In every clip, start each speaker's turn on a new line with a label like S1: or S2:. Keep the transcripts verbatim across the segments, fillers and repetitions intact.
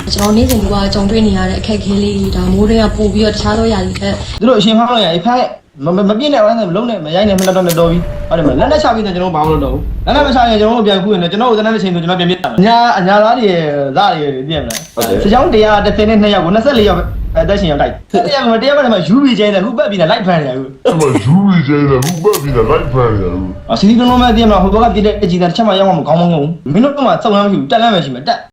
S1: ကျွန်တော်နေ့စဉ်ကကြုံတွေ့နေရတဲ့အခက်အခဲလေးတွေဒါမိုးတွေကပို့ပြီးတော့တခြားသောຢာတွေတက်
S2: သူတို့အရှင်ဖောင်းလို့ရအဖိုက်မမပြည့်နဲ့ဝမ်းနဲ့မလုံးနဲ့မရိုက်နဲ့မလက်တော့နဲ့တော်ပြီဟုတ်တယ်မလက်နဲ့ချပြီးတော့ကျွန်တော်ဘာမှမလုပ်တော့ဘူးလက်နဲ့မချရင်ကျွန်တော်တို့ပြန်ခုရင်ကျွန်တော်တို့ဇနတဲ့ချိန်ဆိုကျွန်တော်ပြန်ပြစ်တာအညာအညာသားတွေဇာတွေပြည့်မလားစကြောင်းတရားတစ်သိန်းနဲ့နှစ်ယောက်ကိုနှစ်ယောက်အသက်ရှင်ရောက်တိုက်တရားကတရားကမှယူပြီးချင်းတယ်ခုပတ်ပြီးလိုက်ဖန်နေရခု
S3: အဲ့မှာယူပြီးချင်းတယ်ခုပတ်ပြီးလိုက်ဖန်နေရခု
S2: အစီအစဉ်လုံးမဲ့ပြည့်မလားဟိုဘက်ကပြည့်တဲ့အကြီးသားတစ်ချက်မှရောက်မှမကောင်းမကောင်းဘူးမင်းတို့ကမှစောက်လမ်းမရှိဘူးတက်လမ်းမရှိမှတက်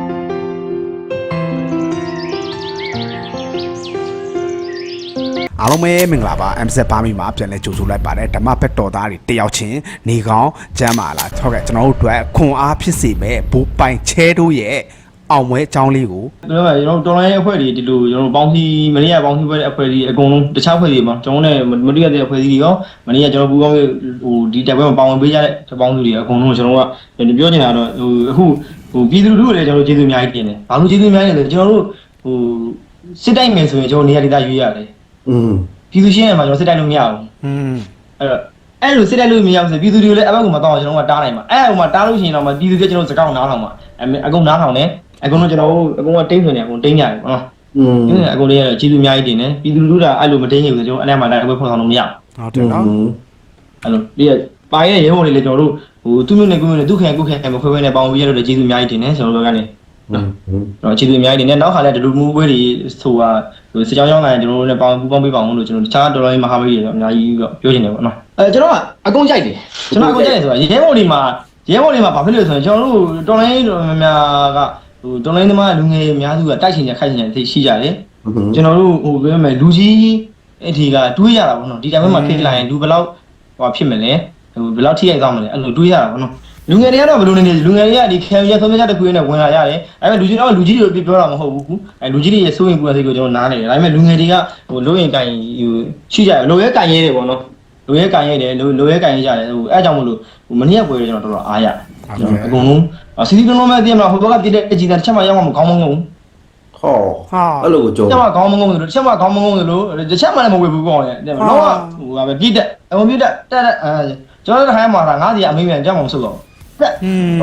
S4: အားလုံးပဲမင်္ဂလာပါ M Z ပါမီမှာပြန်လဲကြိုဆိုလိုက်ပါတယ်ဓမ္မဘက်တော်သားတွေတယောက်ချင်းနေကောင်းကျမ်းပါလားဟုတ်ကဲ့ကျွန်တော်တို့အတွက်ခွန်အားဖြစ်စေမဲ့ဘူပိုင်ချဲတို့ရဲ့အောင်ပွဲအကြောင်းလေးကို
S2: ကျွန်တော်ကကျွန်တော်တော်လိုင်းအဖွဲ့တွေဒီလိုကျွန်တော်ပေါင်းစည်းမနေ့ကပေါင်းစည်းပွဲတဲ့အဖွဲ့တွေအကုန်လုံးတခြားအဖွဲ့တွေမှာကျွန်တော်နဲ့မတိရတဲ့အဖွဲ့အစည်းတွေရောမနေ့ကကျွန်တော်ပူပေါင်းဟိုဒီတက်ပွဲမှာပါဝင်ပေးကြတဲ့ပေါင်းစုတွေအကုန်လုံးကျွန်တော်ကပြောချင်တာတော့ဟိုအခုဟိုပြည်သူလူထုလည်းကျွန်တော်ကျေးဇူးအများကြီးတင်တယ်ဘာလို့ကျေးဇူးအများကြီးလဲကျွန်တော်တို့ဟိုစစ်တိုက်မယ်ဆိုရင်ကျွန်တော်နေရာဒေသရွေးရတယ်
S4: อืม
S2: ပြည်သူရှင်းရမှာကျွန်တော်စစ်တိုက်လို့မရဘူး
S4: อืม
S2: အဲ့တော့အဲ့လိုစစ်တိုက်လို့မရဘူးဆိုပြည်သူတွေကိုလည်းအဘက်ကမတော့ကျွန်တော်ကတားနိုင်မှာအဲ့ဟိုမှာတားလို့ရှိရင်တော့ပြည်သူတွေကျွန်တော်စကောက်နားထောင်မှာအကုန်နားထောင်တယ်အကုန်လုံးကျွန်တော်အကုန်ကတင်းဆိုနေအကုန်တင်းကြတယ်ပေါ့နော်อืมအကုန်လေးကျေးဇူးအများကြီးတင်တယ်ပြည်သူလူထုကအဲ့လိုမတင်းရဘူးဆိုကျွန်တော်အဲ့ထဲမှာလည်းအပွဲဖော်ဆောင်လို့မရ
S4: ဘူးဟုတ်တယ်နော်
S2: အဲ့လိုဒီပါရဲ့ရဲဘော်တွေလည်းကျွန်တော်တို့ဟိုသူ့မျိုးနဲ့ကိုမျိုးနဲ့သူ့ခင်ကုခင်မခွဲခွဲနဲ့ပေါင်းပြီးရတော့ကျေးဇူးအများကြီးတင်တယ်ကျွန်တော်တို့ကလည်းတော့ကျေးဇူးအများကြီးတင်တယ်နောက်ခါလည်းဒီလိုမျိုးပွဲတွေဆိုတာဟိုစကြောင်းကြောင်းလာရင်ကျွန်တော်တို့လည်းပေါင်းပူးပေါင်းပေးပါအောင်လို့ကျွန်တော်တခြားတော်တော်လေးမဟာမိတ်တွေတော့အများကြီးပြောချင်တယ်ပေါ့နော်အဲကျွန်တော်ကအကုန်ကြိုက်တယ်ကျွန်တော်အကုန်ကြိုက်တယ်ဆိုတာရဲဘော်တွေမှာရဲဘော်တွေမှာဘာဖြစ်လို့ဆိုရင်ကျွန်တော်တို့တော်လိုင်းတော်များများကဟိုတော်လိုင်းသမားလူငယ်အများစုကတိုက်ချင်ကြခိုက်ချင်ကြသိရှိကြတယ်ကျွန်တော်တို့ဟိုပြောမယ်လူကြီးအထီကတွေးရတာပေါ့နော်ဒီတိုင်းမှာဖြစ်လာရင်လူဘယ်လောက်ဟိုဖြစ်မလဲဟိုဘယ်လောက်ထိရိုက်သွားမလဲအဲ့လိုတွေးရတာပေါ့နော်လူငယ်တွေကတော့ဘယ်လိုနေနေလူငယ်တွေကဒီခံရဆုံးဖြတ်ချက်တစ်ခုနဲ့ဝင်လာရတယ်အဲ့မဲ့လူကြီးတော့လူကြီးတွေပြောတာမဟုတ်ဘူးအဲ့လူကြီးတွေရဲ့စိုးရင်ပူတဲ့စိတ်ကိုကျွန်တော်နားနေတယ်ဒါပေမဲ့လူငယ်တွေကဟိုလိုရင်ကန်ဟိုရှိကြတယ်လိုရဲကန်ရဲတယ်ပေါ့နော်လိုရဲကန်ရဲတယ်လိုလိုရဲကန်ရဲကြတယ်ဟိုအဲ့ကြောင့်မလို့ဟိုမနေ့ကပွဲကျွန်တော်တော်တော်အားရတယ်အကုန်လုံးစီစီလုံးလုံးမဲ့တည်မလားဟိုဘက်ကပြတဲ့အကြီးသားတစ်ချက်မှရောက်မှမကောင်းမကောင်းဘူး
S4: ဟောဟာ
S3: အဲ့လိုကိုကြော
S2: တစ်ချက်မှကောင်းမကောင်းဘူးတစ်ချက်မှကောင်းမကောင်းဘူးလို့တစ်ချက်မှလည်းမဝေဘူးကောင်းတယ်တဲ့တော့ဟိုကပဲပြည့်တဲ့အကုန်ပြည့်တဲ့တက်တဲ့အဲကျွန်တော်တို့ခိုင်းမှာတာငါးစီအမေးမြန်ကြောက်မှမဆုတ်တော့
S4: อืม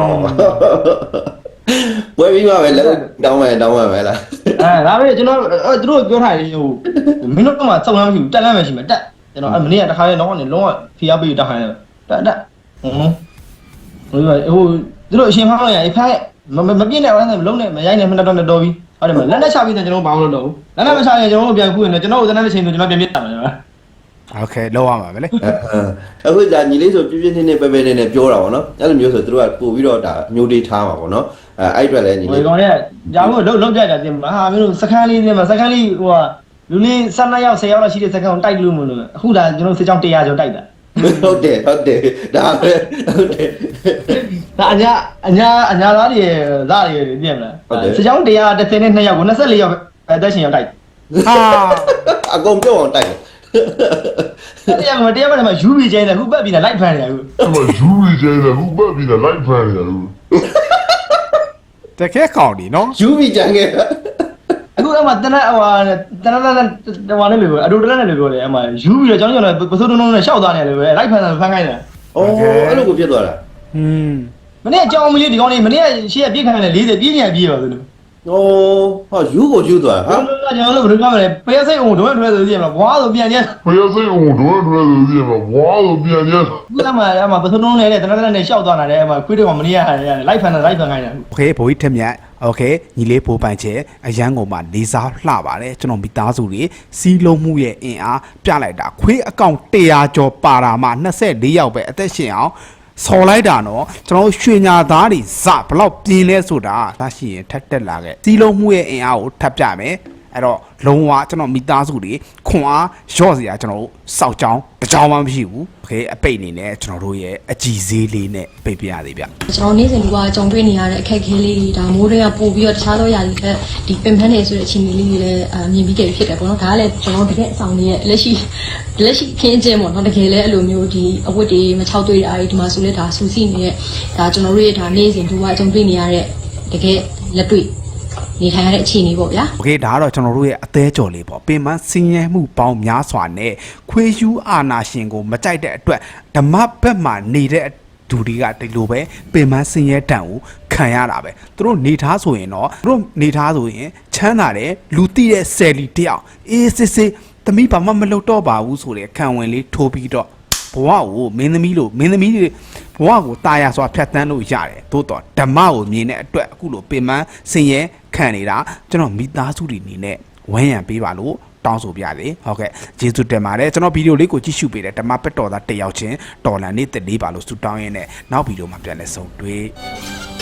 S5: ပွဲပြီးမှပဲလက်တောင်းမယ်တောင်းမယ်ပဲလား
S2: အဲဒါပဲကျွန်တော်သူတို့ပြောထားတယ်ဟိုမင်းတို့ကမှစောက်လမ်းမရှိဘူးတက်လမ်းမရှိမှတက်ကျွန်တော်အဲမနေ့ကတခါလေးတော့ကနေလုံးဝဖီအားပေးတက်ခိုင်းတယ်တက်တက်ဟုတ်ဟိုဟိုသူတို့အရှင်ဖောင်းလို့ရအဖိုက်မမပြည့်နဲ့ဝမ်းနဲ့မလုံးနဲ့မရိုက်နဲ့မလက်တော့နဲ့တော်ပြီဟုတ်တယ်မလက်နဲ့ချပြီးတော့ကျွန်တော်ဘာမှမလုပ်တော့ဘူးလက်နဲ့မချရင်ကျွန်တော်တို့ပြန်ခုရင်ကျွန်တော်တို့ဇနတဲ့ချိန်ဆိုကျွန်တော်ပြန်ပြစ်တာမယ်
S4: โอเคလောက်ရမှာပဲလေ
S5: အခုဒါညီလေးဆိုပြပြနေနေပဲပဲနေနေပြောတာပေါ့နော်အဲ့လိုမျိုးဆိုသူတို့ကပို့ပြီးတော့ဒါမျိုးတေးထားမှာပေါ့နော်အဲအဲ့အတွက်လည်းညီလေး
S2: ဒီကောင်လေးကြာဖို့လုံးလုံးကြကြတင်ဟာမင်းတို့စခန်းလေးနဲ့မှာစခန်းလေးဟိုကလူလေးဆယ်နှစ်ယောက်ဆယ်ယောက်လောက်ရှိတဲ့စခန်းကိုတိုက်လို့မလို့အခုဒါကျွန်တော်စစ်ကြောင်းတစ်ရာကျော်တိုက်တာ
S5: ဟုတ်တယ်ဟုတ်တယ်ဒါပဲဟုတ်တယ်
S2: ဒါအညာအညာအညာသားတွေဇာတွေပြည့်မလားစစ်ကြောင်းတစ်ရာတစ်သိန်းနဲ့နှစ်ယောက်ကိုနှစ်လေးယောက်အသက်ရှင်ရောက်တိုက်
S4: ဟာ
S5: အကုန်ပြုတ်အောင်တိုက်
S2: တရားမတရားမလည်းယူပြီးချင်းတယ်ခုပတ်ပြီးလိုက်ဖန်နေရခု
S3: အဲ့မှာယူပြီးချင်းတယ်ခုပတ်ပြီးလိုက်ဖန်နေရခု
S4: တကယ်ကောင်းဒီနော်
S5: ယူပြီးကြံခဲ့
S2: အခုအမှတနက်ဟိုတနက်တနက်ဟိုနဲ့လို့အတူတလက်နဲ့လို့ပြောတယ်အမှယူပြီးတော့ကျွန်တော်ကျွန်တော်ပစိုးတုံးတုံးနဲ့ရှောက်သားနေတယ်ပဲလိုက်ဖန်တယ်ဖန်ခိုင်းတယ်
S5: အော်အဲ့လိုကိုဖြစ်သွားတာ
S4: อืม
S2: မနေ့အကြောင်းမကြီးဒီကောင်းလေးမနေ့ရှေ့ကပြည့်ခိုင်းတယ်လေး၀ပြည့်ညံပြည့်ပါသလို
S5: โอ้ဟာယူကိုယူသွားဟာ
S2: ကျွန်တော်တို့ဘယ်လိုပြောမလဲဖျက်စိတ်အောင်ဒွဲဒွဲဆိုကြည့်မလားဘွားဆိုပြန်ညက်
S3: ဖျက်စိတ်အောင်ဒွဲဒွဲဆိုကြည့်မလားဘွားဆိုပြန်ညက်
S2: ခုနမှအမှပစုံလုံးလေးတဲ့တနက်တနက်နဲ့ရှောက်သွားတာတဲ့အမှခွေးတော့မနေ့ကလိုက်ဖန်တယ်လိုက်ဖန်ခိုင်းတယ်
S4: โอเคဘိုးကြီးထက်မြတ်โอเคညီလေးပိုးပိုင်ချဲအရန်ကုန်မှာလေးစားလှပါတယ်ကျွန်တော်မိသားစုတွေစီးလုံးမှုရဲ့အင်အားပြလိုက်တာခွေးအကောင့်တရာကျော်ပါတာမှနှစ်ဆယ့်လေးယောက်ပဲအသက်ရှင်အောင်ဆော်လိုက်တာနော်ကျွန်တော်ရွှေညာသားတွေဇဘလောက်ပြင်းလဲဆိုတာဒါရှိရင်ထက်တက်လာခဲ့စီးလုံးမှုရဲ့အင်အားကိုထပ်ပြမယ်အဲ့တော့လုံးဝကျွန်တော်မိသားစုတွေခွန်အားရော့စရာကျွန်တော်တို့စောက်ကြောင်းတကြောင်မှမရှိဘူးโอเคအပိတ်အနေနဲ့ကျွန်တော်တို့ရဲ့အကြည်ဈေးလေးနဲ့ပိတ်ပြရသေးဗျ
S1: ကျွန်တော်နေ့စဉ်ကကြုံတွေ့နေရတဲ့အခက်အခဲလေးတွေဒါမိုးတွေကပို့ပြီးတော့တခြားသောຢာတွေတက်ဒီပင်ပန်းနေဆိုတဲ့အခြေအနေလေးတွေလည်းအမြင်ပြီးကြဖြစ်တယ်ပေါ့နော်ဒါကလည်းကျွန်တော်တကယ်အဆောင်ရဲ့လက်ရှိလက်ရှိခင်းကျင်းပေါ့နော်တကယ်လည်းအဲ့လိုမျိုးဒီအဝတ်တွေမချောက်တွေ့တာဒီမှာဆိုလဲဒါစူးစီးနေတဲ့ဒါကျွန်တော်တို့ရဲ့ဒါနေ့စဉ်ကကြုံတွေ့နေရတဲ့တကယ်လက်တွေ့နေထိုင်ရတဲ့အခြေအနေပေါ့ဗျာ
S4: โอเคဒါကတော့ကျွန်တော်တို့ရဲ့အသေးကြော်လေးပေါ့ပင်မစင်းရဲမှုပေါင်းများစွာနဲ့ခွေးယူအာနာရှင်ကိုမကြိုက်တဲ့အတွက်ဓမ္မဘက်မှာနေတဲ့ဓဒူတွေကဒီလိုပဲပင်မဆင်းရဲတန်ကိုခံရတာပဲသူတို့နေထားဆိုရင်တော့သူတို့နေထားဆိုရင်ချမ်းသာတယ်လူတိတဲ့ဆယ်လီတယောက်အေးစစ်စစ်သမီးဘာမှမလုပ်တော့ပါဘူးဆိုတဲ့ခံဝင်လေးထိုးပြီးတော့ဘဝကိုမင်းသမီးလို့မင်းသမီးတွေဘဝကိုတာယာစွာဖြတ်တန်းလို့ရတယ်သို့တော့ဓမ္မကိုမြင်တဲ့အတွက်အခုလိုပင်မဆင်းရဲခံနေတာကျွန်တော်မိသားစုတွေအနေနဲ့ဝမ်းရံပေးပါလို့တောင်းဆိုပြတယ်ဟုတ်ကဲ့ကျေးဇူးတင်ပါတယ်ကျွန်တော်ဗီဒီယိုလေးကိုကြည့်ရှုပေးတယ်ဓမ္မပက်တော်သားတစ်ယောက်ချင်းတော်လန်နေတက်လေးပါလို့ဆုတောင်းရင်းနဲ့နောက်ဗီဒီယိုမှာပြန်လည်ဆုံတွေ့